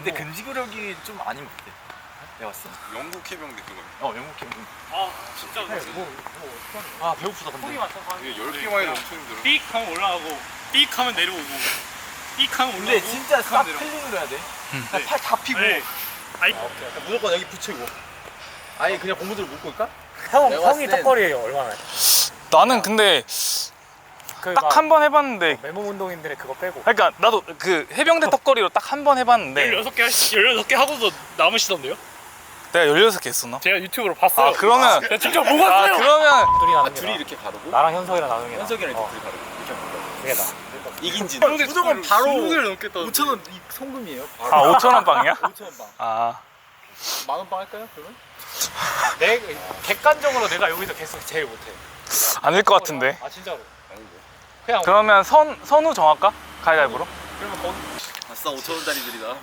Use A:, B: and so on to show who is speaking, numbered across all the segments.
A: 근데 근지구력이 좀 아닌 것 같아. 내가 봤을 때.
B: 영국 해병대 그거.
A: 영국 캠핑.
C: 아 진짜
A: 아 배고프다 근데.
C: 속이 맞춰
B: 이게 10개만 해도 엄청 힘들어.
C: 삑 하면 올라가고 삑 하면 내려오고 삑 하면
A: 근데
C: 올라가고
A: 진짜
C: 삑
A: 싹
C: 하면 내려오고.
A: 클린으로 해야 돼. 팔 다 피고.
C: 네. 아이
A: 무조건 여기 붙이고. 아니 그냥 고무줄 묶고 있까?
D: 형이 턱걸이에요 얼마나?
E: 나는 근데 딱 한 번 해봤는데
D: 맨몸 운동인들의 그거 빼고.
E: 그러니까 나도 그 해병대 턱걸이로 딱 한 번 해봤는데
C: 16개 하고도 남으시던데요?
E: 내가 16개 했었나?
C: 제가 유튜브로 봤어요.
E: 아 그러면
C: 제가 직접 먹었어요.
E: 그러면
D: 둘이 나누는 게
A: 둘이
D: 나아.
A: 이렇게 바르고.
D: 나랑 현석이랑 나누는 게 나아.
A: 현석이랑 이렇게 둘이 바르고. 이렇게 바르고.
D: 그게 나아.
A: 이긴지. 무조건 바로
C: 20개를 넘겠다.
A: 5,000원 송금이에요.
E: 아 5,000원 빵이야?
A: 5,000원 방.
E: 아
A: 만원 빵 할까요? 그러면?
D: 내 객관적으로 내가 여기서 계속 제일 못해.
E: 아닐 것 같은데.
D: 아 진짜로.
A: 아닌데.
D: 그냥
E: 그러면 선우 정할까? 가위바위보로?
D: 그러면 거기.
A: 아싸 5,000원짜리들이다.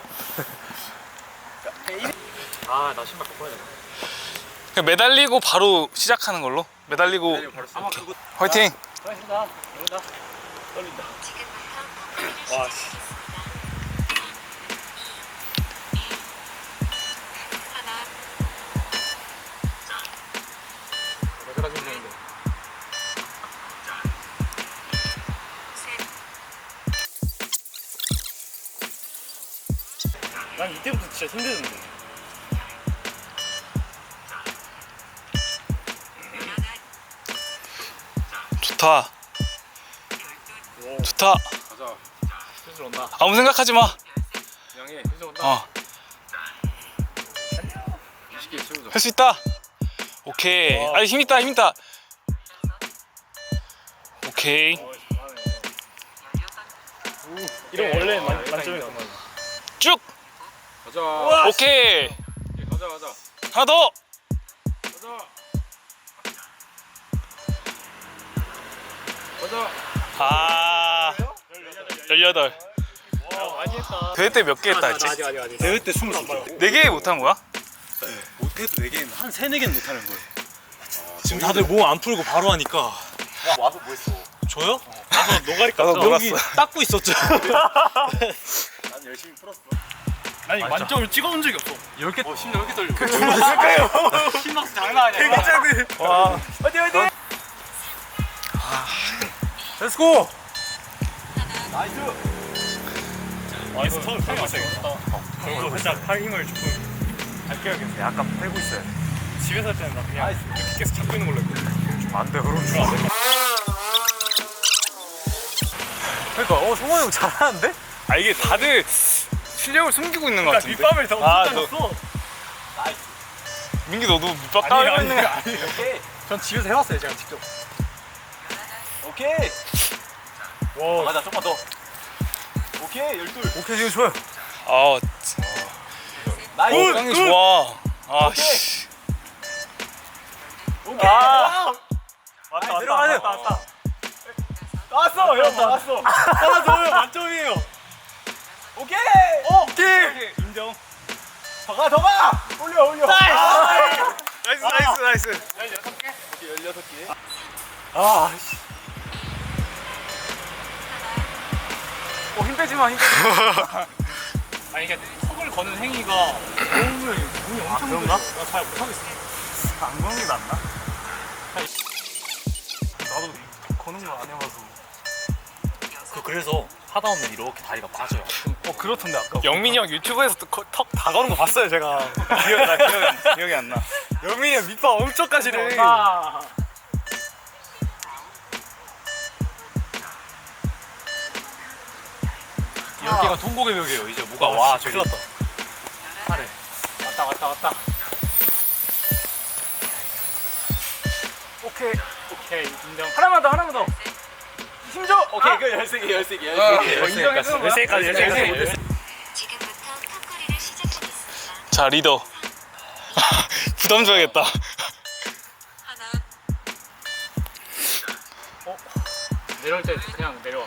D: 아나 신발 바꿔야 돼.
E: 그냥 매달리고 바로 시작하는 걸로? 매달리고
A: 아마 그거.
E: 화이팅!
D: 수고하셨습니다. 이런다.
A: 떨린다.
C: 와 씨.
D: 내가 생각했는데.
C: 난 이때부터 진짜 힘들었는데.
E: 좋다 좋다
B: 가자.
D: 슬슬 온다.
E: 아무 생각하지 마
A: 양해.
D: 슬슬 온다.
E: 어.
B: 20개 채우자.
E: 할 수 있다 오케이 아 힘있다 힘있다 오케이
C: 이런 원래 만점이야.
E: 쭉
B: 가자.
E: 오케이
B: 가자 가자.
E: 하나 더
B: 가자. 가자.
E: 아 18
D: 많이 했다.
E: 대회 때 몇 개 했다 했지?
D: 아직.
A: 대회 때 20개.
E: 4개 못한 거야?
A: 못해도 4개는 한 3, 4개는 못하는 거예요. 지금 다들 몸 안 풀고 바로 하니까. 와서 뭐 했어? 저요?
C: 와서 노가리
E: 나도
C: 깠어.
E: 놀았어
A: 닦고 있었죠.
B: 난 열심히 풀었어.
C: 아니 만점을 찍어본 적이 없어.
A: 10개.
C: 심지어 이렇게 떨려.
D: 심박수 장난 아니야.
A: 되게 작은.
E: 와
A: 어디? 렛츠고! 나이스!
C: 나이스. 처음 팔 맞춰야겠다. 그리고 살짝 팔 힘을 조금
D: 아껴야겠네. 약간 빼고 있어요.
C: 집에서 할 때는 나 그냥 이렇게 계속 잡고 있는 걸로 했거든.
D: 안 돼, 그럼 좋아. 그러니까 성호 형 잘하는데?
E: 아 이게 다들 실력을 숨기고 있는 것
C: 그러니까
E: 같은데
C: 밑밥을 더
E: 아,
C: 못하겠어.
E: 민기 너도 밑밥 따고 있는 거 아니야?
A: 오케이!
D: 전 집에서 해봤어요, 제가 직접.
A: 오케이!
C: 와.
A: 맞아, 조금만 더. 오케이, 12.
D: 오케이, 지금 좋아요.
E: 아
A: 나이스!
E: 짱이 좋아 아씨
A: 오케이!
D: 아.
C: 왔다
D: 들어가세요.
C: 왔다.
A: 나왔어! 형, 나왔어!
C: 하나 더 만점이에요.
A: 오케이!
C: 오케이. 인정.
A: 더 가! 올려!
E: 나이스 나이스
C: 16개?
A: 오케이, 16개.
D: 아, 씨. 힘 빼지 마, 힘 빼지 마.
C: 아니 이게 턱을 거는 행위가 몸이 엄청
D: 그런가?
C: 나잘 못하겠어.
D: 안 그런 게 낫나? 나도 거는 거 안 해봐서.
A: 그래서 하다 보면 이렇게 다리가 빠져요.
D: 그렇던데, 아까.
E: 영민이 형 유튜브에서 턱 다 거는 거 봤어요 제가 기억이 안 나.
D: 영민이 형 밑밥 엄청 까시네.
C: 아.
A: 여기가 통곡의 벽이에요. 이제 뭐가 와, 저기.
D: 큰일 났다. 하래. 왔다.
C: 오케이 인정.
D: 하나만 더. 힘줘.
A: 오케이, 그 13개.
D: 인정해주는 거야?
C: 13개까지.
F: 지금부터 턱걸이를 시작하겠습니다.
E: 자 리더 부담 줘야겠다
F: 하나,
C: 내려올 때 그냥 내려와.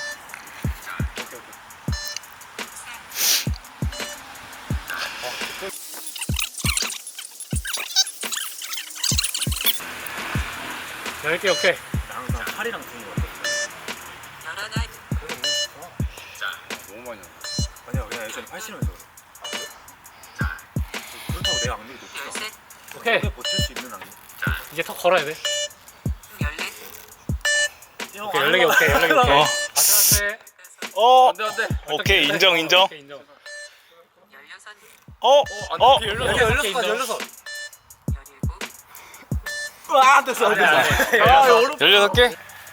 C: 오케이.
A: 나랑 팔이랑 붙는 거 같아.
F: 열하나,
B: 너무 많이 나.
A: 아니야, 그냥 전에 팔씨름해서 그래. 그렇다고 내가 악력이 높지 않아.
F: 열셋,
D: 오케이.
A: 오래 버틸 수 있는 악력.
D: 이제 턱 걸어야 돼.
F: 열넷,
D: 오케이 14개 오케이 14개 오케이. 아슬아슬해.
E: 어
B: 안돼 안돼.
E: 오케이 인정 인정.
D: 오케이 인정.
F: 열여섯,
B: 안돼.
D: 16개 인정.
F: 17,
A: 아 됐어.
D: 아니, 아니.
E: 16개?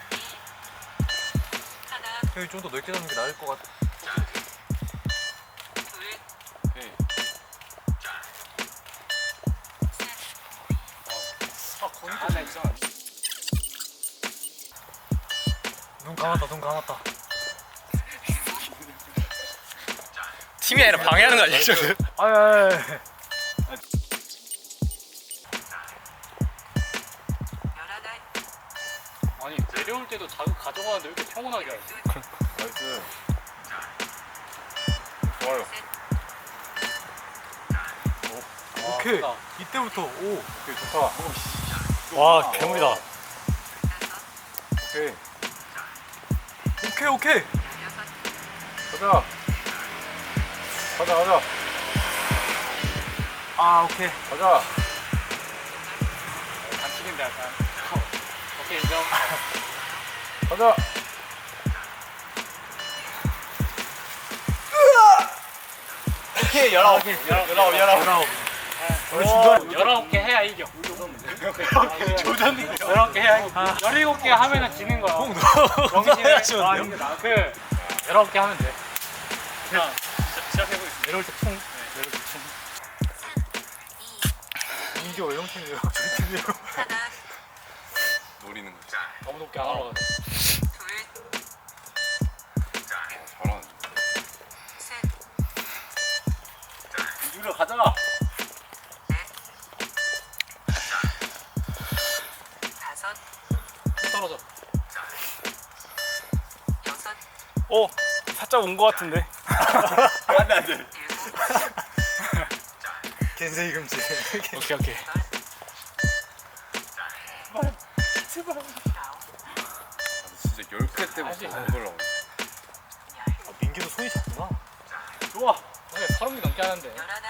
F: 하나,
A: 형이 좀 더 넓게 잡는 게 나을 것 같아.
F: 둘,
A: 눈 감았다. 눈 감았다.
E: 팀이 아니라 방해하는 거 아니야 지금?
A: 아야.
F: 열하나,
D: 아니 내려올 때도 자극 가져가는데 왜 이렇게 평온하게 하지?
B: 나이스. 좋아요.
A: 오케이.
D: 좋다.
A: 이때부터 오.
B: 오케이 좋다.
D: 와 괴물이다.
B: 오케이.
A: 오케이 오케이.
F: 열여섯,
B: 가자.
A: 아 오케이.
B: 가자.
D: 단축인데 약간. 오케이 인정.
B: 가자.
A: 오케이 19개. 19. 우리 중간
D: 19개 해야 이겨.
A: 조졌는데.
D: 19개 해야 이겨. 17개 하면은 지는 거야.
A: 해야 지는데요?
D: 그 19개 하면 돼. 그냥 시작해보겠습니다. 내려올 때 퉁. 내려올 때 퉁.
A: 인기 어영 팀이에요. 저희 팀이에요.
F: 하나,
B: 노리는 거지.
D: 너무 높게 안 올라가네.
F: 둘,
B: 잘하네.
F: 셋,
B: 유려 가자.
F: 다섯,
D: 떨어져.
F: 여섯,
E: 어 살짝 온 거 같은데.
B: 안돼.
F: 일곱,
A: 겐세이 금지.
E: 오케이 오케이.
F: 아홉,
B: 진짜 10회 때부터
D: 알지?
B: 못 올라오네.
A: 아, 민기도 손이 작구나.
D: 좋아. 오늘 30개 넘게 하는데.
F: 열하나,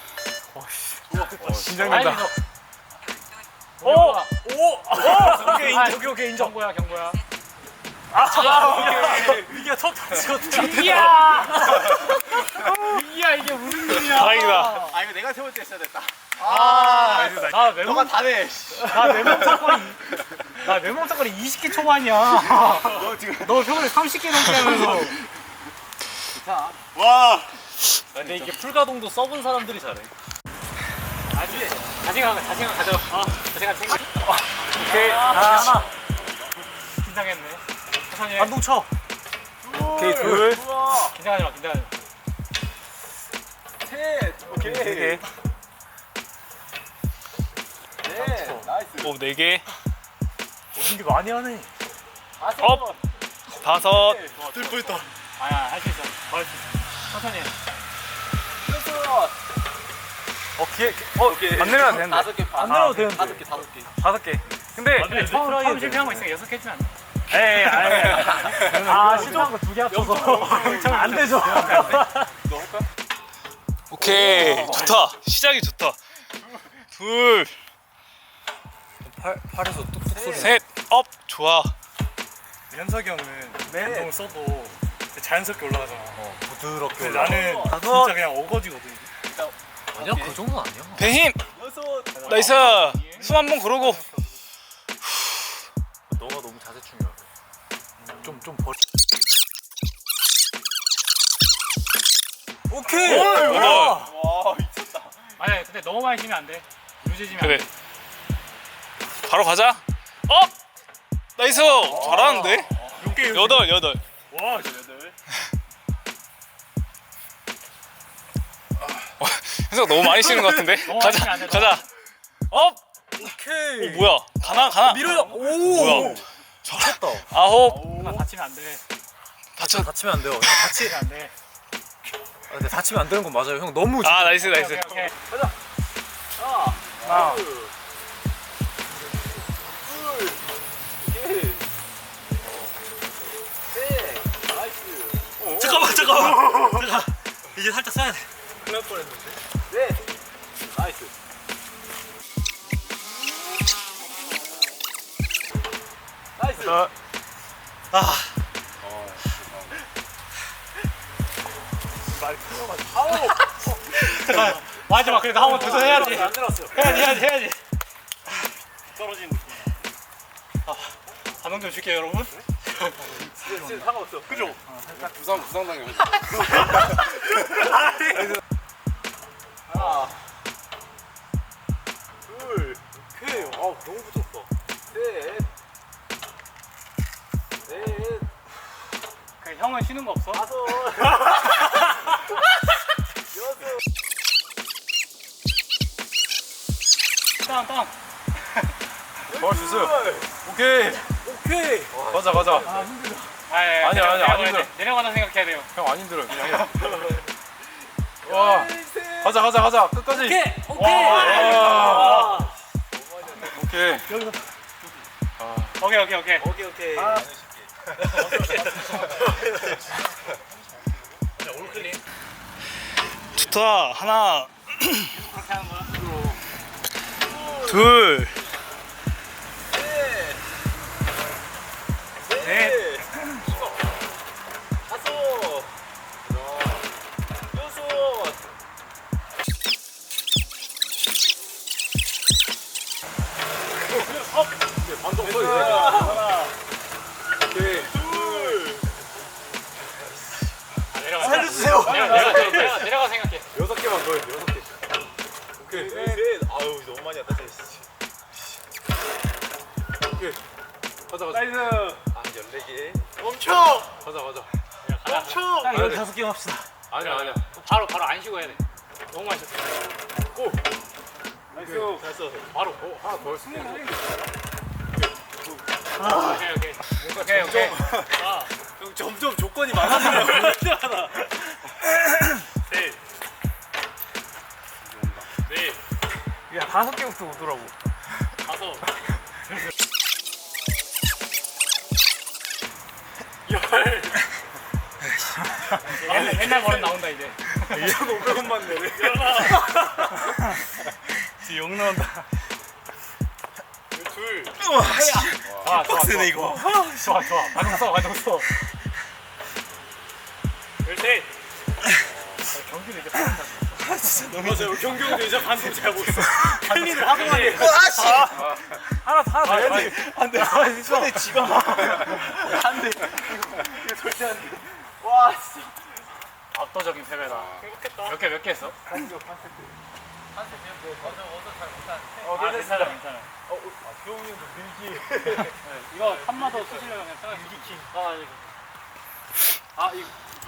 E: 긴장된다.
F: 열둘,
D: 오!
A: 오케이 인정. 오케이 인정.
D: 경고야 경고야.
A: 민기가 첫 터치거든요.
D: 이야! 이야 이게 무슨 일이야?
E: 다행이다.
B: 아 이거 내가 세울 때 했어야 됐다.
D: 나 매몸
B: 다 내.
D: 나 매몸 사거리 20개 초반이야.
B: 너 지금
D: 너 평소에 30개 넘게 하면서.
B: 와.
A: 근데 이게 풀가동도 써본 사람들이 잘해.
D: 아직 자신감 가져. 자신감 챙겨.
A: 오케이. 하나.
D: 긴장했네. 천천히 해.
A: 반동 쳐. 오케이 둘.
D: 긴장하지 마 긴장하지 마.
B: 오케이.
A: 네 개.
B: 네. 나이스.
E: 오 4개.
A: 민기 많이 하네.
E: 업. 5.
A: 뜰 뻔했다.
D: 아야 할 수 있어. 더 할 수 있어. 천천히 해.
A: 오케이.
B: 오케이.
E: 안 내려도 되는데.
B: 5개 반.
A: 안 내려도 되는데.
B: 5개.
E: 5개. 근데
D: 근데 처음 실패한 거 있으니까 6개 해주면 안 돼?
A: 에이 아 시도한 거 2개 합쳐서 안 되죠.
B: 너 할까?
E: 오케이 좋다. 시작이 좋다. 둘,
A: 팔에서 뚝뚝 소리.
E: 셋, 업. 좋아.
A: 현석이 형은 운동을 써도 자연스럽게 올라가잖아. 부드럽게.
E: 근데
A: 나는
E: 다섯.
A: 진짜 그냥 어거지거든.
B: 아니야 그
A: 정도는 아니야.
E: 배 힘.
B: 여섯.
E: 나이스. 숨 한 번 고르고.
A: 너가 너무 자세 중요해. 좀 버리. 오케이.
E: 여덟.
B: 와 미쳤다.
D: 아니 근데 너무 많이 쉬면 안 돼. 유지지면
E: 그래.
D: 안 돼.
E: 바로 가자. 업. 나이스. 잘하는데. 8.
D: 와
E: 현석 너무 많이 쉬는 것 같은데.
D: 너무
E: 가자.
D: 많이 안 돼,
E: 가자. 업.
A: 오케이.
E: 오 뭐야? 가나.
A: 밀어요. 오.
E: 뭐야?
A: 잘했다.
E: 9.
D: 나 다치면 안 돼.
E: 다쳐.
A: 다치면 안 돼요. 형 다치.
D: 다치면 안 돼.
A: 근데 다치면 안 되는 건 맞아요. 형 너무.
E: 아 나이스 나이스.
D: 오케이.
A: 아. 잠깐만. 이제 살짝 써야 돼.
B: 큰일 날 뻔했는데. 네. 나이스. 나이스.
A: 아,
D: 잠깐 마지막 그래도 한 번 도전해야지.
B: 안 들었어.
D: 해야지.
C: 떨어지는 느낌.
D: 반응 좀 줄게요 여러분.
B: 지금 상관없어. 그죠?
E: 부상 당해.
B: 하나. 둘. 오케이. 아 너무 붙었어. 셋. 넷.
D: 그 형은 쉬는 거 없어?
B: 다섯. 여섯.
D: 땅.
E: 주스. 오케이.
B: 오케이.
E: 가자. 아니야, 안 힘들어.
D: 내려가다 생각해야 돼요.
E: 형 안 힘들어. 그냥 해. 와. 가자. 끝까지.
D: 오케이.
E: 와. 오케이.
D: 오케이.
A: 좋다. 하나, 둘,
D: 넷.
B: 다섯. 여섯. 반동 서 있네. 하나. 오케이. 둘.
A: 살려주세요.
D: 내려가 생각해.
B: 6개만 더 해. 6개. 오케이. 셋. 아유 너무 많이 왔다. 오케이. 가자. 나이스. 아 14개. 멈춰. 가자. 멈춰.
A: 딱 15개 합시다.
B: 아니야.
D: 바로 안 쉬고 해야 돼. 너무 많이 쉬었어.
B: 고. 나이스. 잘 써.
D: 바로.
B: 하나 더 했어.
D: 오케이.
B: 형 점점 조건이 많아지네요.
D: 셋. 넷.
E: 야 5개부터 오더라고.
D: 다섯. 옛날 버릇 나온다 이제.
B: 2,500원만 내래.
A: 지금 욕 나온다.
B: 둘.
D: 좋아.
A: 빡세네 이거.
D: 좋아. 가정 써. 셋. 경기를 이제
B: 맞아요. 경경도 이제 반동 잘 못 써.
D: 클린을 하고 하네.
A: 하나 더 해야지. 안 돼. 손에 쥐가 막. 안 돼.
B: 이거 절대 안 돼. 와 진짜.
D: 압도적인 패배다.
B: 행복했다.
D: 몇 개 했어? 괜찮아.
B: 교훈이 형도 밀기.
D: 이거 한마더 쓰시려면 그냥 편하게.
B: 밀기 킹.
D: 이거